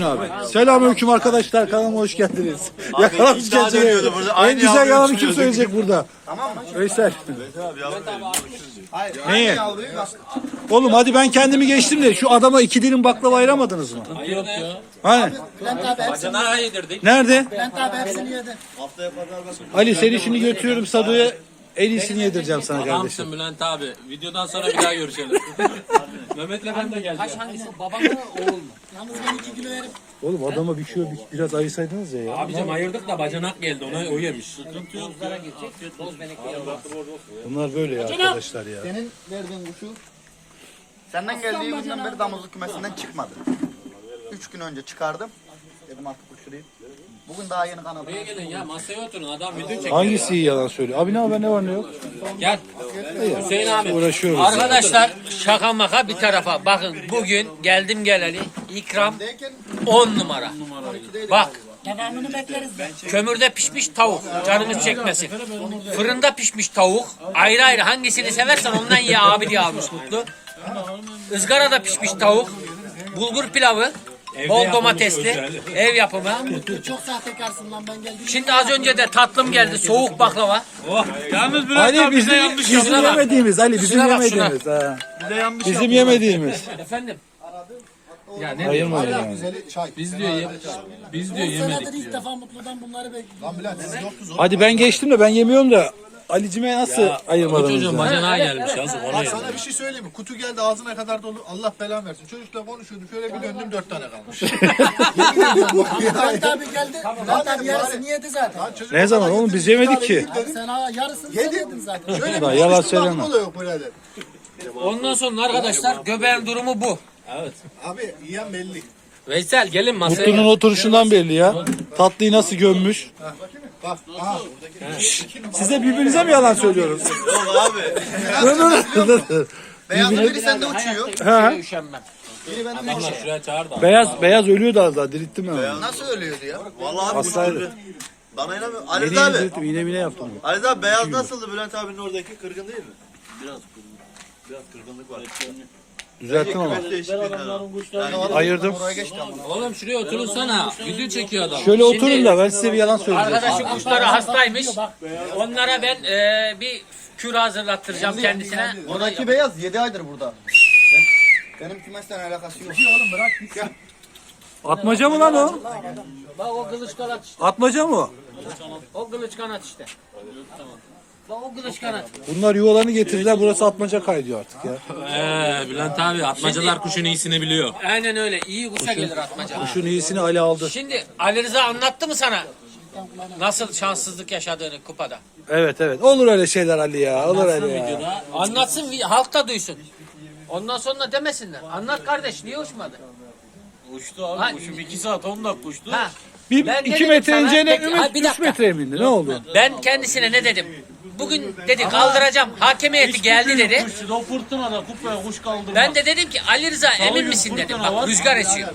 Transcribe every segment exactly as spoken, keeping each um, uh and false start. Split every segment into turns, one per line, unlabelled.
abi. Selamünaleyküm arkadaşlar. Kanalıma hoş geldiniz. Yakalamış
iddia
kendini.
dönüyordu burada.
En
Aynı
güzel
yavruyu
yalanı kim
uçuruyorduk.
söyleyecek burada?
Tamam mı?
Veysel.
Hayır.
Neyi?
Aynı yavruyu bak.
Oğlum hadi ben kendimi geçtim de şu adama iki dilim baklava ayıramadınız mı?
Yok ya.
Hani?
Bülent abi hepsini,
Bacanağa yedirdik.
Nerede?
Bülent abi hepsini yedi.
Ali seni şimdi götürüyorum Sado'ya. En iyisini yedireceğim sana kardeşim.
Adamsın Bülent abi. Videodan sonra bir daha görüşelim. Mehmet'le ben de geleceğim.
Hangisi? Baba mı oğul mu? Yalnız ben iki kilo verim.
Oğlum adama bir şey bir- biraz ayırsaydınız ya. ya.
Abicim ayırdık da bacanak geldi ona o yemiş.
Bunlar böyle ya arkadaşlar ya.
Senin verdiğin kuşu senden geldiği günden beri damızlık kümesinden çıkmadı. Üç gün önce çıkardım. Dedim artık uçurayım. Bugün daha yeni kanadı.
Buraya gelin ya masaya oturun adam video çekiyor.
Hangisi iyi yalan söylüyor? Abi ne haber ne var ne yok?
Gel. Hüseyin abi.
Uğraşıyoruz.
Arkadaşlar şaka maka bir tarafa bakın bugün geldim geleli ikram on numara. Bak
Devamını bekleriz.
kömürde pişmiş tavuk canınız çekmesin. Fırında pişmiş tavuk ayrı ayrı hangisini seversen ondan ye abi diye almış Mutlu. Izgarada pişmiş tavuk, bulgur pilavı, bol domatesli, ev yapımı.
Çok sahtekarsın lan ben geldim.
Şimdi az önce de tatlım geldi soğuk baklava.
Yalnız Bülent
Ali
abi bize
bizim,
yanlış
bizim
Şuna bak.
yemediğimiz Ali bizim
Şuna bak, şuna.
yemediğimiz. Ha.
bize yanlış
Bizim yemediğimiz.
Efendim
Ya ne
Ayırmayın yani.
biz diyor ye, biz diyor yemedik
Senedir ilk
diyor.
defa Mutlu'dan bunları bekliyorum.
Hadi ben geçtim de ben yemiyorum da Ali'cime nasıl
Bu
ayırmadınız
çocuğun
ya?
bacanağa gelmiş yazık ona yemiş.
Sana bir şey söyleyeyim mi? Kutu geldi ağzına kadar dolu. Allah belanı versin. Çocukla konuşuyordum. Şöyle bir döndüm dört tane kalmış.
Bülent abi geldi. Bülent abi yarısını yedi zaten.
Çocuk
Ne zaman oğlum biz yemedik ki.
Abi sen ha yarısını sen yedin zaten.
Şöyle
Daha
bir
yalan
konuştum
söyleme.
aklım oluyor birader.
ondan sonra arkadaşlar göbeğin durumu bu.
Abi yiyen belli.
Veysel gelin masaya.
Mutlu'nun oturuşundan belli ya. Tatlıyı nasıl gömmüş.
Bak aha.
Size birbirinize mi yalan söylüyoruz?
Yok abi.
Dur, dur, dur.
Beyazlı biri sende uçuyor.
Ha,
Üşenmem.
Biri bende
Adamlar
uçuyor.
şuraya çağır da.
beyaz beyaz ölüyordu az daha dirilttim ben onu.
Nasıl ölüyordu ya?
Vallahi abi
Hastaydı.
uçurdu. Bana inanmıyor.
Yeni
Ali
yeni
abi.
dirilttim iğne mine yaptım.
Ali abi beyaz nasıldı Bülent abinin oradaki kırgın değil mi? Biraz kırgın. Biraz kırgınlık var.
Düzelttim ama.
Kümes değişikliği.
Ayırdım.
Oraya geçti ama.
Oğlum şuraya oturunsana. Video çekiyor adam.
Şöyle oturun da ben size bir yalan söyleyeceğim.
Arkadaşım kuşları hastaymış. Onlara ben e, bir kür hazırlattıracağım kendisine.
Oradaki beyaz yedi aydır burada. Benim kümesten alakası yok. Oğlum bırak git ya.
Atmaca mı lan o?
Bak o kılıç kanat işte.
Atmaca mı o?
O kılıç kanat işte. Bak o kılıç kanat.
Bunlar yuvalarını getirdiler burası atmaca kaydıyor artık ya.
Eee Bülent abi atmacalar kuşun iyisini biliyor.
Aynen öyle. İyi kuşa gelir atmaca.
Şunun iyisini Ali aldı.
Şimdi Ali Rıza anlattı mı sana? Nasıl şanssızlık yaşadığını kupada?
Evet evet olur öyle şeyler Ali ya olur öyle ya.
Anlatsın halk da duysun. Ondan sonra demesinler. Anlat kardeş niye uçmadı?
Uçtu abi
Ha,
kuşum iki saat on dakika uçtu.
Ha.
Bir
Ben de
iki
dedim
metre
sana,
ineceğine
peki, ha, bir
üç
dakika.
metreye mi indi ne oldu?
Ben kendisine ne dedim? Bugün dedi kaldıracağım. Hakem heyeti geldi dedi.
Kuştu o fırtınada kupaya kuş kaldırmaz.
Ben de dedim ki Ali Rıza emin misin dedim. Bak rüzgar esiyor.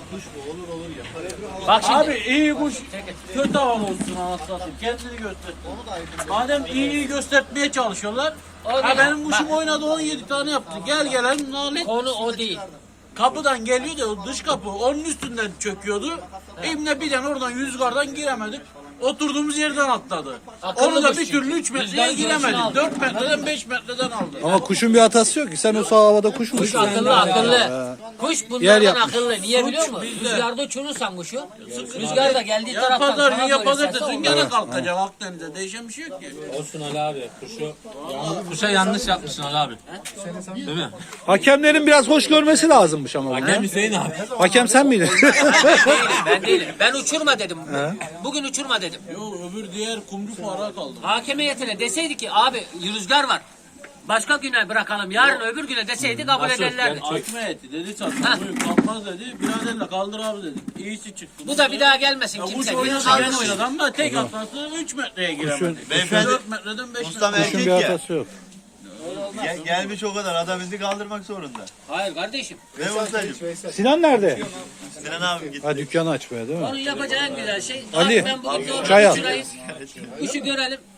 Bak şimdi.
Abi iyi kuş kötü hava olsun anasını kendini göster. Madem iyi iyi göstermeye çalışıyorlar.
O
Ha
değil.
benim kuşum oynadı on yedi tane yaptı. Gel gelen nalet.
Konu o değil.
Kapıdan geliyordu o dış kapı onun üstünden çöküyordu. İbne birden oradan rüzgardan giremedik. Oturduğumuz yerden atladı.
Akıllı
Onu da
kuş
bir
çünkü.
türlü üç metreye
Rüzgar
giremedik.
görüşünü aldı.
dört metreden beş metreden aldı.
Ama kuşun bir hatası yok ki sen o sağ havada kuş mu
Kuş
uçuyorsun?
akıllı akıllı. Kuş
Yer
bunlardan
yapmış.
akıllı. Niye biliyor musun? Rüzgarda uçurursan kuşu. Rüzgar da geldiği
Ya
taraftan
pazar
sana
gün ya
doğru
pazar
eserse
desin
olur.
gene kalkacak Akdeniz'de değişen bir şey yok ki.
Olsun Ali abi kuşu. Kuşa yanlış yapmışsın Ali abi. Değil mi?
Hakemlerin biraz hoş görmesi lazımmış ama. bunu.
Hakem Hüseyin abi.
Hakem sen miydin?
Değilim, ben değilim. Ben uçurma dedim. Bugün uçurma dedim.
Yo öbür diğer kumru fara kaldı.
Hakem heyetine deseydi ki abi rüzgar var. Başka güne bırakalım. Yarın öbür güne deseydi kabul ederlerdi.
Açma eti dedi çatma buyur kalkmaz dedi. Biraderle kaldır abi dedik. İyisi çıktı.
Bu da bir daha gelmesin
Ya kuş
kimse.
oynadı
Kaldır.
ben oynadım ama tek atması üç metreye giremedi.
Beyefendi.
dört metreden beş
Ustam
metre.
Kuşun
erkek
bir
ya.
hatası yok.
Gel, gelmiş o kadar. Adam bizi kaldırmak zorunda.
Hayır kardeşim.
Ve ustacığım.
Sinan nerede?
Sinan abim gitti.
Ha dükkanı açmaya değil mi?
Onun yapacağı en güzel şey.
Ali,
Abi ben bugün doğru
çay al.
uçurayım. Kuşu görelim.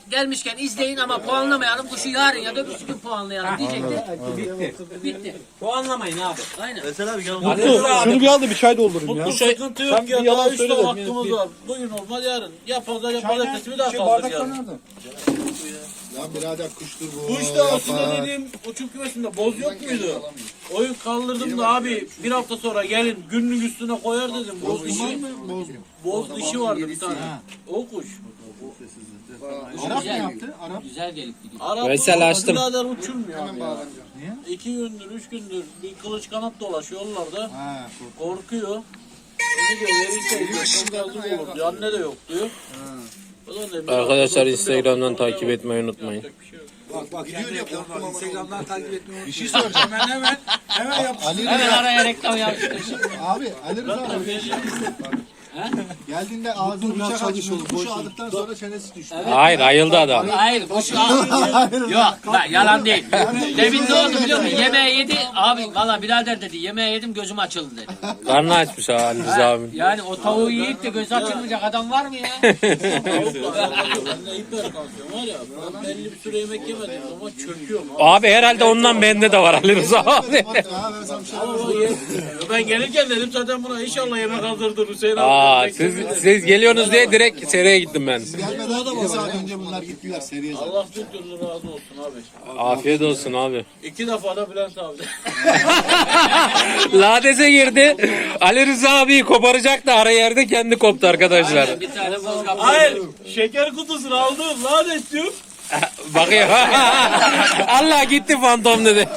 gelmişken izleyin ama puanlamayalım. Kuşu yarın ya da öbürsü gün puanlayalım diyecekti. Bitti. Bitti.
Puanlamayın abi.
Aynen.
Mesela abi gel.
Şunu bir al da bir çay doldurayım ya.
Bu sıkıntı
Sen
yok
bir
ya.
yalan
Daha üç
söyle
tane
de.
hakkımız var. Bugün olmaz yarın. Ya pazar ya pazartesi bir daha kaldır yarın.
Lan birader kuştur bu.
Bu işte aslında dediğim uçum kümesinde boz yok muydu? Oyun kaldırdım da abi bir hafta sonra gelin günlük üstüne koyar dedim. Boz dişi,
Boz mu?
boz dişi vardı bir tane. O kuş.
Arap ne yaptı? Arap.
Güzel gelip gidiyor.
Arap
Veysel açtım.
birader uçurmuyor abi ya.
Niye?
İki gündür, üç gündür bir kılıç kanat dolaşıyor yollarda.
Ha,
Korkuyor. Ne diyor verirse diyor. Çok yazık olur diyor. Anne de yok diyor. O zaman dedim,
Arkadaşlar
bir
Instagram'dan
hafta sonra
takip etmeyi unutmayın.
yapacak bir şey yok.
Bak bak gidiyor ya korktum ama Instagram'dan takip etmeyi. Bir şey soracağım. Hemen hemen hemen yap.
Ali
Hemen
Rıza.
araya reklam yapıştır.
Abi Ali Rıza abi. Geldiğinde ağzını bıçak açmış. Kuşu aldıktan sonra çenesi düştü.
Hayır ayıldı adam.
Hayır kuşu al. Yok bak yalan değil. Demin ne oldu biliyor musun? Yemeği yedi. Abi valla birader dedi yemeği yedim gözüm açıldı dedi.
Karnı açmış ha Ali Rıza abi.
Yani o tavuğu yiyip de göz açılmayacak adam var mı ya?
Ben de hipertansiyon var ya. Ben belli bir süre yemek yemedim ama çöküyorum.
Abi herhalde ondan bende de var Ali Rıza abi.
Ha, ben sana bir şey
Ama ye- ben gelirken dedim zaten buna inşallah yemek hazırdır Hüseyin abi.
Aa, siz, siz geliyorsunuz diye direkt seriye gittim ben.
gelmeden bir saat önce bunlar gittiler seriye zaten.
Allah bin türlü razı olsun abi.
Afiyet olsun abi.
İki defa da Bülent abi.
Lades'e girdi. Ali Rıza abiyi koparacak da ara yerde kendi koptu arkadaşlar.
Bir tane boz kapı.
Hayır. Şeker kutusunu aldım. Lanet diyor.
Bakıyor. Allah gitti fantom dedi.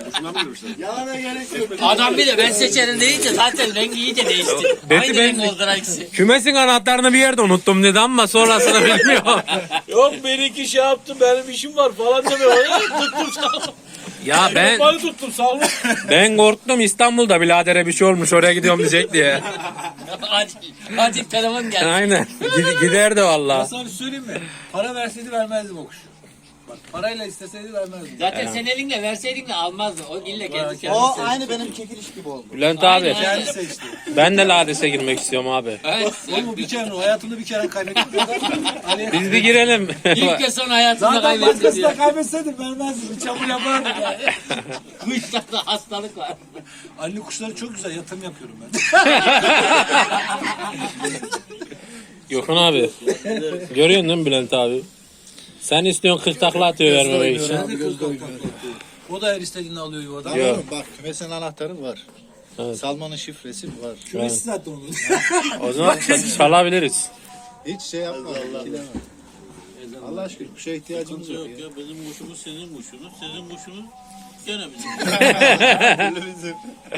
Adam bir de ben seçerim deyince zaten rengi iyice değişti.
Dedi
Aynı
ben-
renk oldular ikisi.
Kümesin anahtarını bir yerde unuttum dedi ama sonrasını bilmiyorum.
Yok benimki şey yaptı. Benim işim var falan demiyor. Tuttum sağ
Ya ben
Ben tuttum sağ olun.
ben korktum İstanbul'da biradere bir şey olmuş oraya gidiyorum diyecek diye.
acil, acil telefon geldi.
Aynen. Gid- giderdi valla.
Sana bir söyleyeyim mi? Para verseydi vermezdim o kuşu. Bak parayla isteseydi vermezdim.
Zaten sen elinle verseydin de almazdı. O ille kendi kendisi.
O aynı benim çekiliş gibi oldu.
Bülent abi
Kendi seçti.
ben de Lades'e girmek istiyorum abi.
Evet.
Oğlum bir kere hayatımda bir kere kaybettim. Ali
Biz bir girelim.
İlk ve son hayatında
Zaten
kaybetti
başkasına
diyor.
kaybetseydim vermezdim. Bir çamur yapardım yani.
Kuşlarda hastalık var.
Ali kuşları çok güzel yatırım yapıyorum ben.
Gökhan abi. Görüyorsun değil mi Bülent abi? Sen istiyorsun kırk takla atıyor vermemek için.
O da her istediğini alıyor yuvadan.
Yok.
Bak kümesin anahtarı var.
Evet.
Salmanın şifresi var.
Kümesi zaten onun.
O zaman ç- çalabiliriz.
Hiç şey yapma. ikileme. Allah aşkına kuşa ihtiyacımız yok
Yok
ya.
ya bizim kuşumuz senin kuşunuz. Senin kuşunuz gene bizim.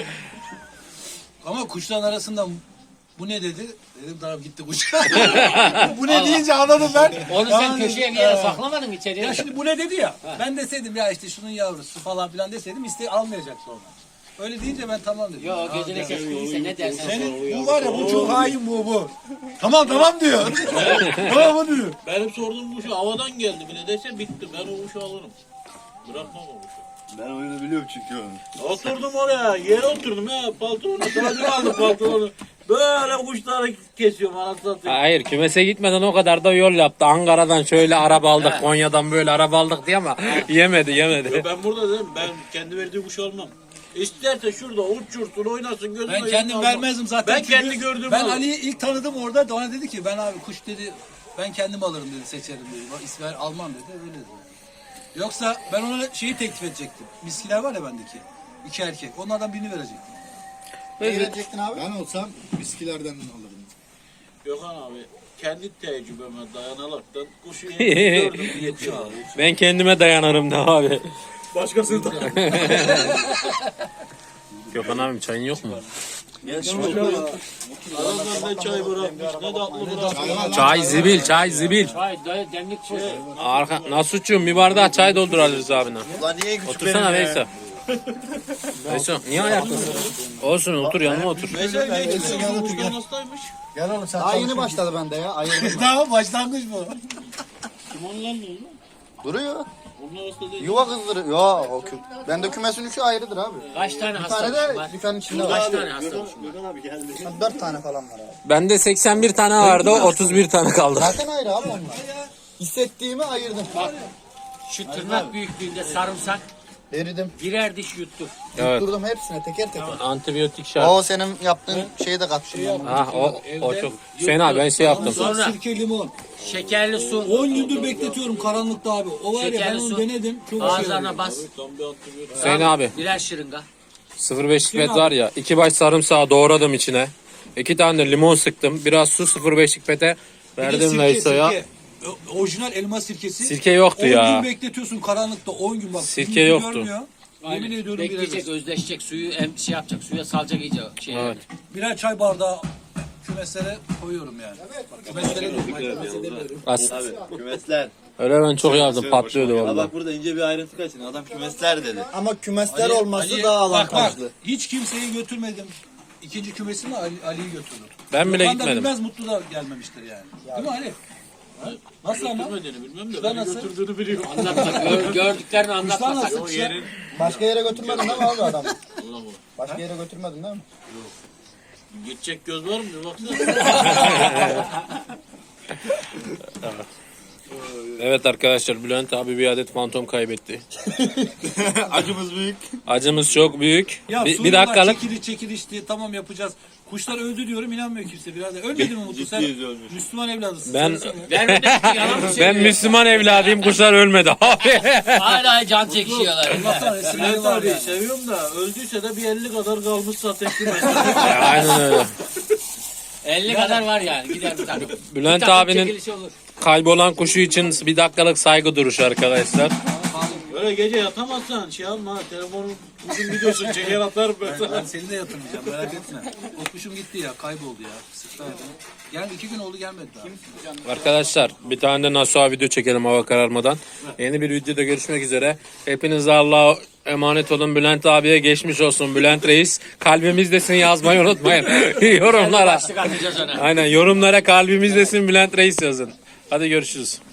Ama kuşların arasında bu ne dedi? Dedim tamam gitti kuş. Bu ne deyince anladım ben.
Onu sen
Yani-
köşeye bir yere saklamadın içeriye.
Ya şimdi bu ne dedi ya. Ben deseydim ya işte şunun yavrusu falan filan deseydim iste almayacak sonra. Öyle deyince ben tamam dedim.
Yo gözüne kestiğiyse ne dersen söyle.
Senin bu var ya bu çok hain bu bu. Tamam tamam diyor. Tamam diyor.
Benim sorduğum kuşu havadan geldi bile dese bitti. Ben o kuşu alırım. Bırakmam o kuşu.
Ben oyunu biliyorum çünkü onu.
Oturdum oraya. Yere oturdum ya. Paltonu. Sadece aldım paltonu. Böyle kuşları kesiyorum anasını satayım.
Hayır kümese gitmeden o kadar da yol yaptı. Ankara'dan şöyle araba aldık, Konya'dan böyle araba aldık diye ama yemedi yemedi.
Ben burada dedim ben kendi verdiği kuş almam. İsterse şurada uçursun oynasın gözüme.
Ben kendim
almam.
vermezdim zaten.
Ben
çünkü
kendi gördüğümü
Ben
alırım.
Ali'yi ilk tanıdım orada. Bana dedi ki ben abi kuş dedi ben kendim alırım dedi seçerim dedi. Bak İsmail almam dedi öyle dedi. Yoksa ben ona şeyi teklif edecektim. Miskiler var ya bendeki. İki erkek. Onlardan birini verecektim.
Ne verecektin abi?
Ben olsam viskilerden alırım.
Gökhan abi kendi tecrübeme dayanaraktan kuşu yedim, gördüm yetiyor abi.
Ben kendime dayanırım da abi.
Başkasını da.
Gökhan abim çayın yok mu?
Adamlar ne çay bırakmış ne tatlı bırakmış.
Çay zibil, çay zibil.
Hayır dayı demlik kuş.
Arka, Nasuç'cum bir bardağı çay doldur Ali Rıza abine.
Ulan niye küçük
Otursana
benim ya?
Veysel. Veysel niye ayaktasın? Olsun otur yanıma otur.
Mesela ne için kuştan hastaymış?
Gel oğlum sen
Daha yeni başladı bende ya. Ayırdım.
Daha başlangıç bu.
Kim ondan ne oldu?
Duruyor.
Onlar hasta değil.
Yuva kızdırıyor. Ya o kü... Bende kümesin üçü ayrıdır abi.
Kaç tane
Bir
hasta
tane
kuşun
de
var?
dükkanın içinde
Kaç
var.
tane hasta kuşun var?
Gökhan abi geldi.
Dört tane falan var abi.
Bende seksen bir tane vardı, otuz bir tane kaldı.
Zaten ayrı abi onlar. Hissettiğimi ayırdım.
Şu tırnak büyüklüğünde sarımsak
Eridim.
birer diş yuttuk.
Evet.
Durdum hepsine teker teker.
Antibiyotik şart.
O senin yaptığın şeyi de kattım. ben.
Ah o, o çok. Hüseyin abi ben şey yaptım.
Sonra
Sirke, limon.
şekerli su
on gündür bekletiyorum karanlıkta abi. O var ya ben
Şekerli
onu
su.
denedim. Çok şey
ağızlarına
oldu.
bas.
Hüseyin abi
Birer şırınga.
sıfır beş pipet var ya. iki baş sarımsağı doğradım içine. iki tane de limon sıktım. Biraz su sıfır beş pipete
Bir de
verdim
sirke,
Veyso'ya.
sirke. O- Orijinal elma sirkesi.
Sirke yoktu
on
ya.
gün bekletiyorsun karanlıkta on gün bak.
Sirke
yüzü
yoktu.
görmüyor. Yemin ediyorum
Bekleyecek,
birer,
özleşecek, suyu em şey yapacak, suya salacak iyice şey.
Evet.
birer çay bardağı kümeslere koyuyorum yani. Bak, kümeslere diyorum. ben kümese demiyorum.
As-
Abi kümesler.
Öyle ben çok yazdım
Söyle
patlıyordu
hoşuma gitti. Ha
valla.
bak burada ince bir ayrıntı kaçın. Adam kümesler dedi.
Ama kümesler
Ali-
olması
Ali-
daha
Bak bak
avantajlı.
hiç kimseyi götürmedim. İkinci kümesimi Ali, Ali'yi götürdüm.
Ben bile
Gökhan da
gitmedim.
bilmez Mutlu da gelmemiştir yani. Değil mi Ali? Ha? Nasıl ama?
Götürmediğini bilmem de
Kuşlar
beni
nasıl?
götürdüğünü biliyorum.
Anlatma, gör, gördüklerini
Kuşlar
anlatmasak.
nasıl? Kuşlar?
Başka yere götürmedin değil mi abi adamı? Başka yere götürmedin değil mi?
Gidecek göz var mı? Bir baksana.
Evet arkadaşlar Bülent abi bir adet fantom kaybetti.
Acımız büyük.
Acımız çok büyük.
Ya
Bir, bir
soruyorlar,
dakikalık.
çekiliş çekilişti tamam yapacağız. Kuşlar öldü diyorum inanmıyor kimse birader. Ölmedi mi Mutlu sen?
Ciddiyiz ölmüş.
Müslüman evladısın.
Ben-
söylesene.
Ben öyle yalan mı
Ben
söylüyorum?
Müslüman evladıyım kuşlar ölmedi abi.
Hala can çekişiyorlar.
Allah'tan resimleri
Bülent
var
abi
yani.
seviyorum da öldüyse de bir elli kadar kalmış zaten kümesi.
Aynen öyle.
elli kadar var yani gider bir tane.
Bülent
Bir tane
abinin
çekilişi olur.
kaybolan kuşu için bir dakikalık saygı duruşu arkadaşlar.
Böyle gece yatamazsan şey alma. Telefonun uzun videosunu çeker atarım ben sana.
Ben seni de yatırmayacağım merak etme. O kuşum gitti ya kayboldu ya. Sıktı hayatını. Gel iki gün oldu gelmedi daha.
Arkadaşlar bir tane de Nasuha video çekelim hava kararmadan. Yeni bir videoda görüşmek üzere. Hepinize Allah'a emanet olun. Bülent abiye geçmiş olsun. Bülent Reis kalbimizdesin yazmayı unutmayın. Yorumlara.
Başlık atacağız ona.
Aynen yorumlara kalbimizdesin Bülent Reis yazın. Hadi görüşürüz.